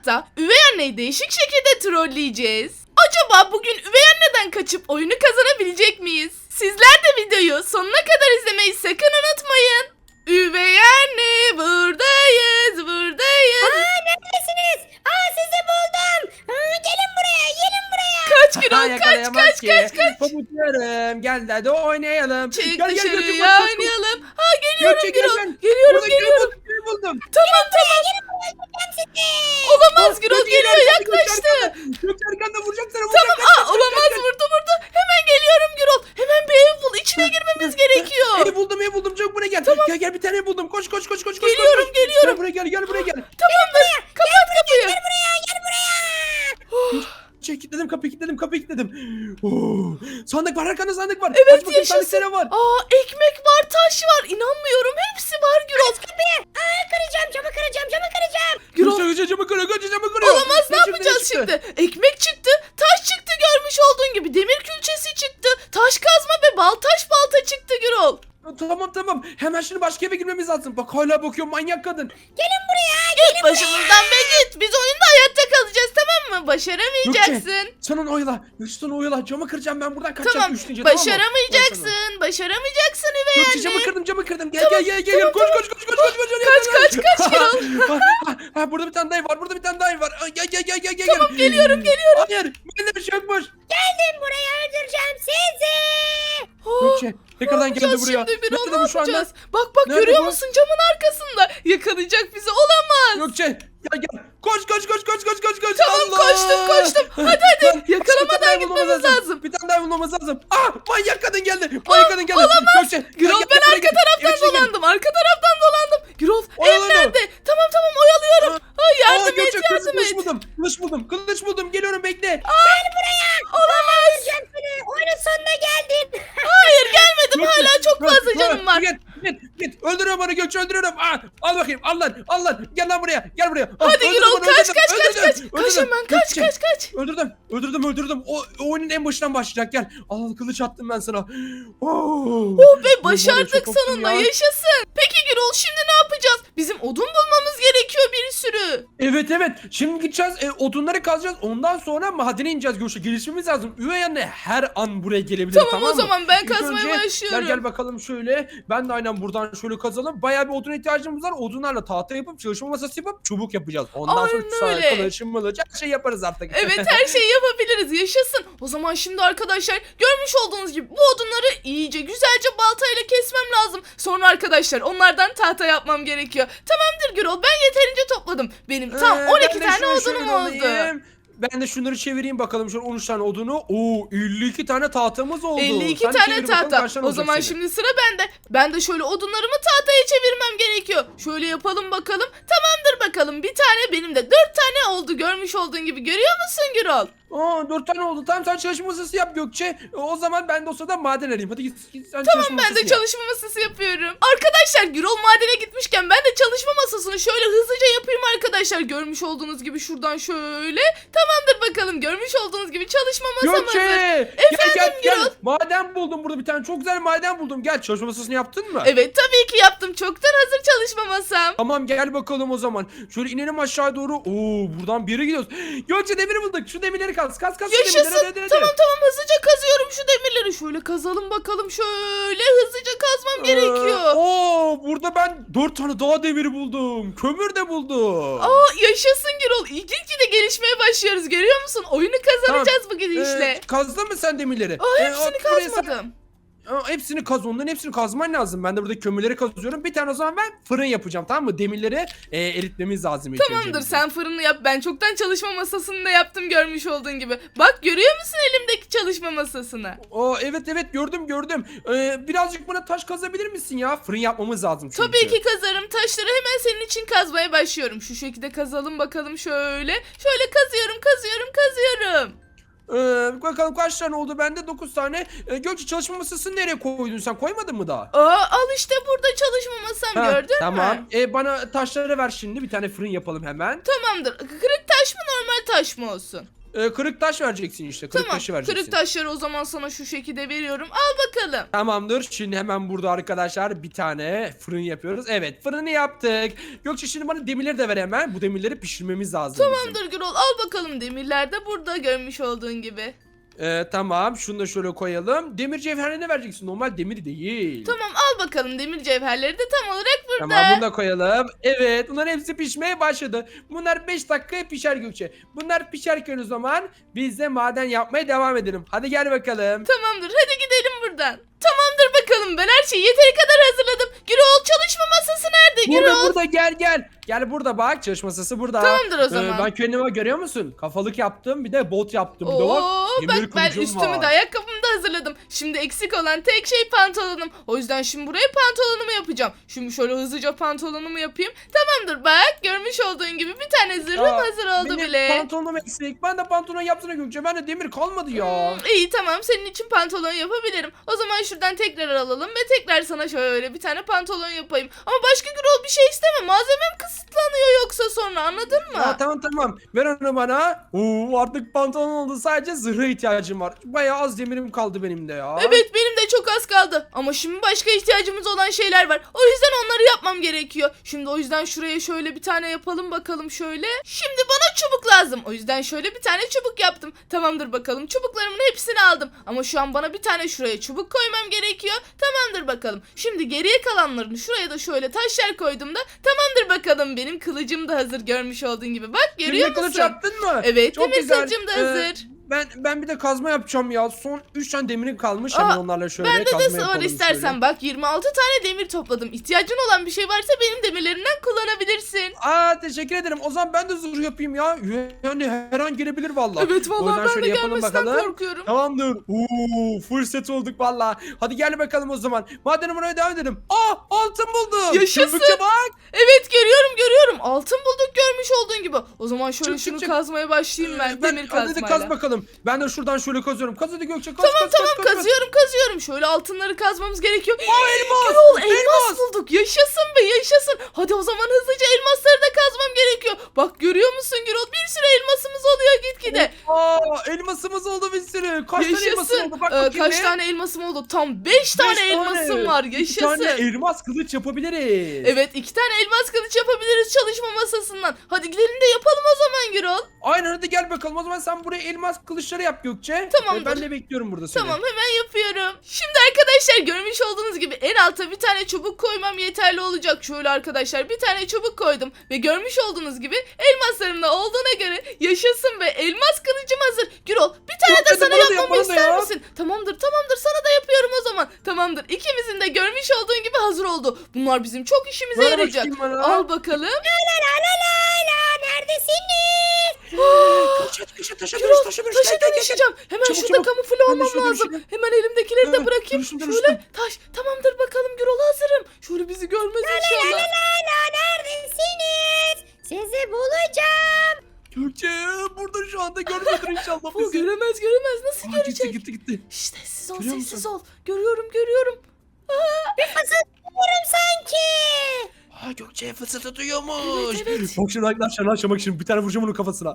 mutfakta üvey anneyi değişik şekilde trolleyeceğiz. Acaba bugün üvey anneden kaçıp oyunu kazanabilecek miyiz? Sizler de videoyu sonuna kadar izlemeyi sakın unutmayın. Üvey anne buradayız. Neredesiniz? Sizi buldum. Gelin buraya, gelin buraya. Kaç Gürol kaç. Pabuçlarım gel hadi oynayalım. Çık Gel, dışarıya koş. oynayalım. Geliyorum Gökçe, Gürol. gel. Geliyorum. Buldum. Tamam. Öldüreceğim sizi. Olamaz Gürol geliyor yaklaştı. Gökçe arkanda vuracak sana. Tamam olamaz vurdu. Hemen geliyorum Gürol. Hemen bir ev bul. İçine girmemiz gerekiyor. Ev buldum çabuk buraya gel. Gel bir tane buldum. Koş. Geliyorum. Gel buraya gel. Tamamdır. Kapat kapıyı. Gel buraya. Kilitledim kapıyı. Sandık var arkanda sandık var. Evet, Aç bakayım yaşasın. sandıkta ne var? Ekmek var, taş var. İnanmıyorum. Hepsi var Gürol. Kıracağım, camı kıracağım. Gürol. Gökçe camı kırıyor. Olamaz ne çıktı, yapacağız çıktı? şimdi? Ekmek çıktı, taş çıktı görmüş olduğun gibi. Demir külçesi çıktı. Taş kazma ve balta çıktı Gürol. Tamam. Hemen şimdi başka eve girmemiz lazım. Bak hala bakıyor manyak kadın. Gelin buraya. Git başımızdan be git. Biz oyunda hayatta kalacağız tamam mı? Başaramayacaksın. Sen onu oyala. Camı kıracağım ben buradan kaçacağım. Tamam. Üçüncü, Başaramayacaksın üvey Gökçe anne. camı kırdım. Gel. Koş. Kaç. Burada bir tane daha ev var. Gel. Tamam geliyorum. Hayır. Bende bir şey yokmuş. Gelin buraya, öldüreceğim sizi. Gökçe tekrardan geldi Yapacağız buraya. şimdi Gürol, Nerede ne bu şu anda? yapacağız? Bak Nerede görüyor bu? musun camın arkasında? Yakalayacak bizi olamaz. Gökçe gel. Koş. Tamam Allah! koştum. Hadi Lan, yakalamadan bir tane gitmemiz bulmamız lazım. Bir tane daha bulmamız lazım. Manyak kadın geldi. Gökçe. Gürol gel, ben buraya arka gel. taraftan Evin içine gel. dolandım. Gürol ev Oyalanın. nerede? Tamam oyalıyorum. Yardım Gökçe, et. Kılıç buldum. Geliyorum bekle. Olamaz. Öldüreceğim seni. Oyunun sonuna geldin. Hayır gelmedim hala çok fazla canım var. Git. Öldürüyorum bana Gökçe öldürüyorum. Al bakayım. Al lan. Gel lan buraya. Hadi Öldürdüm Gürol onu, kaç. öldürdüm. Kaç hemen Gökçe, kaç. Öldürdüm. O oyunun en başından başlayacak. Gel. Al kılıç attım ben sana. Oh be başardık çok korktum sonunda ya. yaşasın. Peki Gürol şimdi ne yapacağız? Bizim odun bulmamız gerekiyor bir sürü. Evet. Şimdi gideceğiz. Odunları kazacağız. Ondan sonra madene ineceğiz Gökçe. Gelişmemiz lazım. Üvey anne her an buraya gelebilir. Tamam, o mı? zaman ben İlk kazmaya önce başlıyorum. Gel bakalım şöyle. Ben de aynen buradan şöyle kazalım. Bayağı bir odun ihtiyacımız var. Odunlarla tahta yapıp çalışma masası yapıp çubuk yapacağız. Ondan sonra Aynen öyle. kılıçım her şey yaparız artık. Evet her şeyi yapabiliriz yaşasın. O zaman şimdi arkadaşlar görmüş olduğunuz gibi bu odunları iyice güzelce baltayla kesmem lazım. Sonra arkadaşlar onlardan tahta yapmam gerekiyor. Tamamdır Gürol ben yeterince topladım. Benim tam 12 Ben de tane şunu odunum şöyle oldu. alayım. Ben de şunları çevireyim bakalım şöyle 13 tane odunu. 52 tane tahtamız oldu. 52 Sen de tane çevir bakalım tahta. kaç tane O olacak zaman senin. şimdi sıra bende. Ben de şöyle odunlarımı tahtaya çevirmem gerekiyor. Şöyle yapalım bakalım. Tamamdır bakalım. Bir tane benim de 4 tane oldu görmüş olduğun gibi. Görüyor musun Gürol? 4 tane oldu. Tamam sen çalışma masası yap Gökçe. O zaman ben de o sırada maden arayayım. Hadi git sen Tamam çalışma ben de masası yap. çalışma masası yapıyorum. Arkadaşlar Gürol madene gitmişken ben de çalışma masasını şöyle hızlıca yapayım arkadaşlar. Görmüş olduğunuz gibi şuradan şöyle. Tamamdır bakalım görmüş olduğunuz gibi çalışma masam Gökçe! hazır. Efendim Gel. Gürol. Maden buldum burada bir tane. Çok güzel maden buldum. Gel çalışma masasını yaptın mı? Evet tabii ki yaptım. Çoktan hazır çalışma masam. Tamam gel bakalım o zaman. Şöyle inelim aşağı doğru. Buradan bir yere gidiyoruz. Gökçe demiri bulduk. Şu demirleri kaz. Kaz şu demirleri. Yaşasın. Hadi. Tamam hızlıca kazıyorum şu demirleri. Şöyle kazalım bakalım. Şöyle hızlıca kazmam gerekiyor. Burada ben 4 tane daha demiri buldum. Kömür de buldum. Yaşasın Gürol. İlginç de gelişmeye başlıyoruz. Görüyor musun? Oyunu kazanacağız bu gidişle. Kazdın mı sen demirleri? Hepsini buraya kazmadım. Hepsini kaz. Onların hepsini kazman lazım. Ben de burada kömürleri kazıyorum. Bir tane o zaman ben fırın yapacağım tamam mı? Demirleri eritmemiz lazım ilk Tamamdır önce. sen fırını yap. Ben çoktan çalışma masasını da yaptım görmüş olduğun gibi. Bak görüyor musun elimdeki çalışma masasını? Evet gördüm. Birazcık bana taş kazabilir misin ya? Fırın yapmamız lazım çünkü. Tabii ki kazarım. Taşları hemen senin için kazmaya başlıyorum. Şu şekilde kazalım bakalım şöyle. Şöyle kazıyorum. Bakalım kaç tane oldu bende? 9 tane. Gökçe çalışma masasını nereye koydun sen? Koymadın mı daha? Al işte burada çalışma masam gördün mü? Tamam. Bana taşları ver şimdi. Bir tane fırın yapalım hemen. Tamamdır. Kırık taş mı normal taş mı olsun? Kırık taş vereceksin işte. Kırık Tamam, taşı vereceksin. kırık taşları o zaman sana şu şekilde veriyorum. Al bakalım. Tamamdır. Şimdi hemen burada arkadaşlar bir tane fırın yapıyoruz. Evet, fırını yaptık. Gökçe şimdi bana demirleri de ver hemen. Bu demirleri pişirmemiz lazım bizim. Tamamdır Gürol, al bakalım, demirler de burada görmüş olduğun gibi. Tamam. Şunu da şöyle koyalım. Demir cevherine vereceksin. Normal demir değil. Tamam, al bakalım, demir cevherleri de tam olarak burada. Tamam, bunu da koyalım. Evet, bunların hepsi pişmeye başladı. Bunlar 5 dakikaya pişer Gökçe. Bunlar pişerken o zaman biz de maden yapmaya devam edelim. Hadi gel bakalım. Tamamdır, hadi gidelim buradan. Tamamdır bakalım, ben her şeyi yeteri kadar hazırladım. Gürol, çalışma masası nerede Burada Gürol? burada gel. Gel burada bak, çalışma masası burada. Tamamdır o zaman. Ben kendime görüyor musun? Kafalık yaptım, bir de bot yaptım. Bir de Oo, bak, demir bak ben kılıcım üstümü var. de ayakkabımı da hazırladım. Şimdi eksik olan tek şey pantolonum. O yüzden şimdi buraya pantolonumu yapacağım. Şimdi şöyle hızlıca pantolonumu yapayım. Tamamdır, bak görmüş olduğun gibi bir tane zırhım Aa, hazır oldu benim bile. pantolonum eksik. Ben de pantolon yapsana Gökçe. Bende demir kalmadı ya. İyi tamam, senin için pantolon yapabilirim. O zaman şuradan tekrar alalım ve tekrar sana şöyle bir tane pantolon yapayım. Ama başka Gürol bir şey isteme. Malzemem kısıtlanıyor yoksa sonra, anladın mı? Ya, tamam. Ver onu bana. Artık pantolon oldu. Sadece zırha ihtiyacım var. Bayağı az demirim kaldı benim de ya. Evet, benim de çok az kaldı. Ama şimdi başka ihtiyacımız olan şeyler var. O yüzden onları yapmam gerekiyor. Şimdi o yüzden şuraya şöyle bir tane yapalım bakalım şöyle. Şimdi bana çubuk lazım. O yüzden şöyle bir tane çubuk yaptım. Tamamdır bakalım, çubuklarımın hepsini aldım. Ama şu an bana bir tane şuraya çubuk koymam gerekiyor. Tamamdır bakalım. Şimdi geriye kalanlarını şuraya da şöyle taşlar koyduğumda tamamdır bakalım, benim kılıcım da hazır görmüş olduğun gibi. Bak görüyor Demir kılıç musun? yaptın mı? Evet, Çok demir güzel. kılıcım da hazır. Ben bir de kazma yapacağım ya. Son 3 tane demirim kalmış. Hemen onlarla şöyle Bende kazma de var yapalım istersen. şöyle. Bak 26 tane demir topladım. İhtiyacın olan bir şey varsa benim demirlerimden kullanabilirsin. Teşekkür ederim. O zaman ben de zırh yapayım ya. Yani her an gelebilir vallahi. Evet O vallahi yüzden ben de şöyle yapalım gelmesinden bakalım. korkuyorum. Tamamdır. Full set olduk valla. Hadi gel bakalım o zaman. Madem buraya devam edelim. Altın buldum. Yaşasın. Çabukça bak. Evet görüyorum. Altın bulduk görmüş olduğun gibi. O zaman şöyle şunu çık. kazmaya başlayayım ben demir Hadi kazmayla. kaz bakalım. Ben de şuradan şöyle kazıyorum. Kaz hadi Gökçe kaz. Tamam kazıyorum. Şöyle altınları kazmamız gerekiyor. Elmas. Gürol, elmas bulduk. Yaşasın be yaşasın. Hadi o zaman hızlıca elmasları da kazmam gerekiyor. Bak görüyor musun Gürol, bir sürü elmasımız oluyor gitgide. Elmasımız oldu bir sürü. Kaç tane elmasın Yaşasın. oldu? Bak bakayım Kaç bir. tane elmasım oldu? Tam 5 tane elmasım var. Bir Yaşasın. tane elmas kılıç yapabiliriz. Evet 2 tane elmas kılıç yapabiliriz çalışma masasından. Hadi gidelim de yapalım o zaman Gürol. Aynen, hadi gel bakalım. O zaman sen buraya elmas kılıçları yap Gökçe. Tamamdır. Ben de bekliyorum burada seni. Tamam hemen yapıyorum. Şimdi arkadaşlar görmüş olduğunuz gibi en alta bir tane çubuk koymam yeterli olacak. Şöyle arkadaşlar bir tane çubuk koydum. Ve görmüş olduğunuz gibi elmaslarım da olduğuna göre yaşasın ve elmas kılıcım hazır. Gürol bir tane Yok, de hadi sana bana da yap, yapmamı bana da ister yap. misin? Tamamdır sana da yapıyorum o zaman. Tamamdır, ikimizin de görmüş olduğun gibi hazır oldu. Bunlar bizim çok işimize Ver yarayacak. bakayım bana. Al bakalım. La neredesiniz? Taşa taşa Gürol taşa taşa dönüşeceğim. Hemen Çabuk, şurada çabuk. kamufle Ben de olmam şurada lazım. dönüşeyim. Hemen elimdekileri de Evet, bırakayım. dönüştüm. Şöyle taş. Tamamdır bakalım Gürol, hazırım. Şöyle bizi görmez inşallah. La neredesiniz? Sizi bulacağım. Gökçe burada şu anda görmüyordur inşallah Bu bizi. göremez. Nasıl görecek? Gitti. Şşş, sessiz ol, Görüyor sessiz musun? ol. Görüyorum. Fısıldıyorum sanki. Gökçe fısıltı duyuyormuş. Evet. Bak şimdi arkadaşlar, bak şimdi bir tane vuracağım onun kafasına.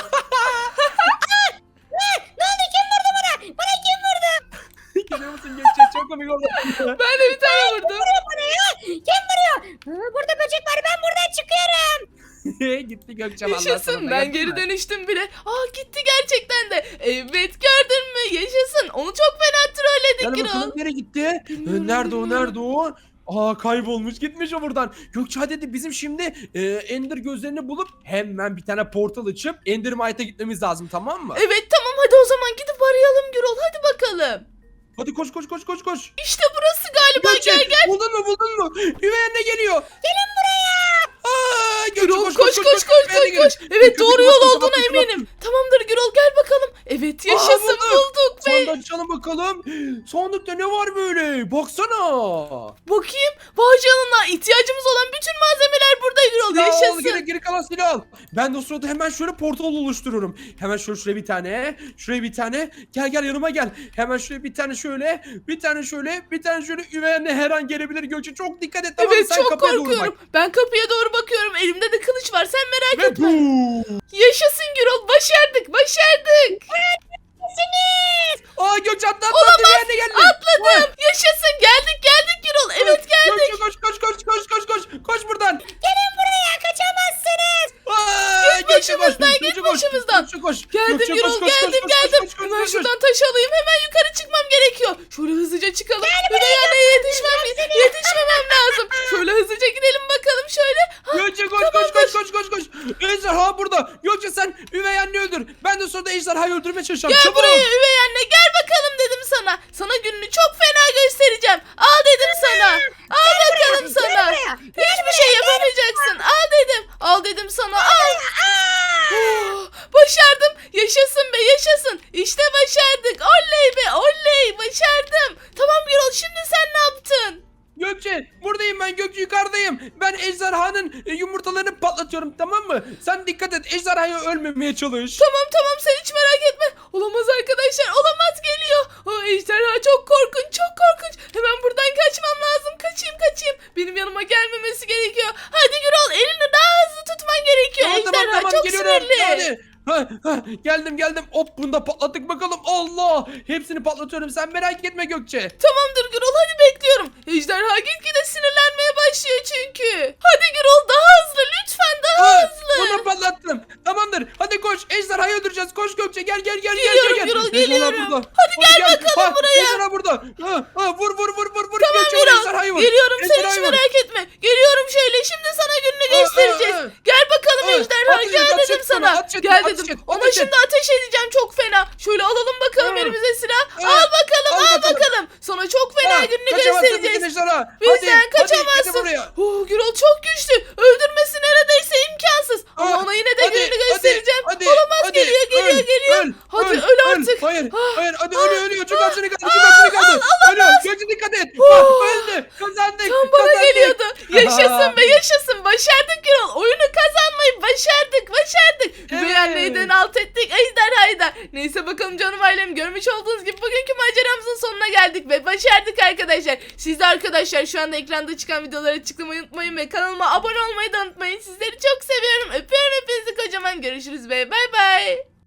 Ne oldu, kim vurdu bana? Bana kim vurdu? Görüyor musun Gökçe? Çok komik oldu. Ben de bir tane vurdum. Bana ya? Kim vuruyor? Burada böcek var, ben buradan çıkıyorum. Gitti Gökçe vallahi. Yaşasın, sonunda, ben gördün geri mü? dönüştüm bile. Gitti gerçekten de. Evet gördün mü? Yaşasın. Onu çok fena trolledik Gel Gürol. bakalım nereye gitti? Bilmiyorum, Nerede bilmiyorum. o? Kaybolmuş, gitmiş o buradan. Gökçe hadi bizim şimdi Ender gözlerini bulup hemen bir tane portal açıp Endermite'a gitmemiz lazım, tamam mı? Evet tamam, hadi o zaman gidip arayalım Gürol. Hadi bakalım. Hadi koş. İşte burası galiba, Gökçe gel. buldun mu? Üvey anne geliyor. Gelin buraya. Gökçe Gürol koş. Üvey anne geliyor. Evet doğru yol Kapat, olduğuna kapat, eminim. Tamamdır Gürol, gel bakalım. Evet yaşasın, bulduk be. Sandık açalım bakalım. Sandıkta ne var böyle? Baksana. Bakayım. Vay canına, ihtiyacımız olan bütün malzemeler burada Gürol. Silah al, Yaşasın. geri kalan silah al. Ben de o sırada hemen şöyle portal oluşturuyorum. Hemen şuraya bir tane. Şuraya bir tane. Gel yanıma gel. Hemen şuraya bir tane şöyle. Bir tane şöyle. Üvey anne her an gelebilir Gökçe. Çok dikkat et, tamam mı? Evet Sen çok kapıya doğru korkuyorum. bak. Ben kapıya doğru bakıyorum. Elimde de kılıç var. Sen merak Ve etme. boom. Yaşasın. Yaşasın Gürol, başardık. Siniz. Aa Gökçe atla Olamaz. yerine geldim. Atladım. Yaşasın, geldik Gürol. Evet geldik. Gökçe koş buradan. Gelin buraya kaçamazsınız. Aa, Git başımızdan, git başımızdan. Gökçe koş. Geldim Gökçe, Gürol, koş, geldim. Hemen koş. şuradan taş alayım, hemen yukarı çıkmam gerekiyor. Şöyle hızlıca çıkalım. Üvey anneye yetişmemem lazım. Şöyle hızlıca gidelim bakalım şöyle. Gökçe koş. Ejderha burada. Gökçe sen üvey anne öldür. Ben de sonra ejderhayı öldürmeye çalışacağım. Gel Çabuk. buraya üvey anne, gel bakalım dedim sana. Sana gününü çok fena göstereceğim. Al dedim sana. Al bakalım sana. buraya, Hiçbir şey yapamayacaksın. Al dedim sana. Al. Oh, başardım. Yaşasın be, yaşasın. İşte başardık. Oley be, oley. Başardım. Tamam Gürol, şimdi sen ne yaptın? Gökçe buradayım ben, Gökçe yukarıdayım. Ben ejderhanın yumurtalarını patlatıyorum, tamam mı? Sen dikkat et, ejderhaya ölmemeye çalış. Tamam sen hiç merak etme. Olamaz arkadaşlar, olamaz, geliyor. O ejderha çok korkunç. Hemen buradan kaçmam lazım. Kaçayım. Benim yanıma gelmemesi gerekiyor. Hadi Gürol, elini daha hızlı tutman gerekiyor. Ejderha çok sinirli. Hadi. Geldim. Hop, bunu da patlattık bakalım. Allah! Hepsini patlatıyorum. Sen merak etme Gökçe. Tamamdır Gürol, hadi bekliyorum. Ejderha gitgide sinirlenmeye başlıyor çünkü. Hadi Gürol, daha hızlı lütfen, daha hızlı. Bunu patlattım. Tamamdır. Hadi koş. Ejderhayı öldüreceğiz. Koş Gökçe. Gel. Geliyorum Gürol, Ejderha geliyorum. burada. Hadi gel bakalım buraya. Ejderha burada. Vur. Tamam Gökçe, vur ejderhayı Gürol, vur. geliyorum, sen hiç Ejderhayı vur. merak etme. Geliyorum şöyle, şimdi sana gününü göstereceğiz. Gel bakalım ejderha, Ateş et, gel ateş dedim et sana. bana, ateş et, Gel ateş dedim. et, Ona ateş et. şimdi ateş edeceğim çok fena. Şöyle alalım bakalım Hı. elimize silah. Hı. Al bakalım, Al al bakalım. bakalım. Sana çok fena gününü Kaçamazsın göstereceğiz. ejderha. Bizden Hadi, kaçamazsın. gel buraya. Oh, Gürol çok güçlü. Öldürmesi neredeyse imkansız. Ama Ah, ona yine de hadi, gününü göstereceğim. hadi, Olamaz, hadi. geliyor. Öl, Hadi öl, öl artık. Hayır, Ah, hadi ölüyor. Çok az seni kaldı. Ölüyor. Gökçe dikkat et. Öldü. Kazandık. Tam bana kazandık. geliyordu. Yaşasın be, yaşasın. Başardık Gürol. Oyunu kazanmayı başardık. Üvey Evet. anneyden alt ettik, ejderhayı da. Neyse bakalım canım ailem, görmüş olduğunuz gibi bugünkü maceramızın sonuna geldik ve başardık arkadaşlar. Siz de arkadaşlar şu anda ekranda çıkan videoları tıklamayı unutmayın ve kanalıma abone olmayı da unutmayın. Sizleri çok seviyorum. Öpüyorum hepinizi kocaman. Görüşürüz be. Bay bay.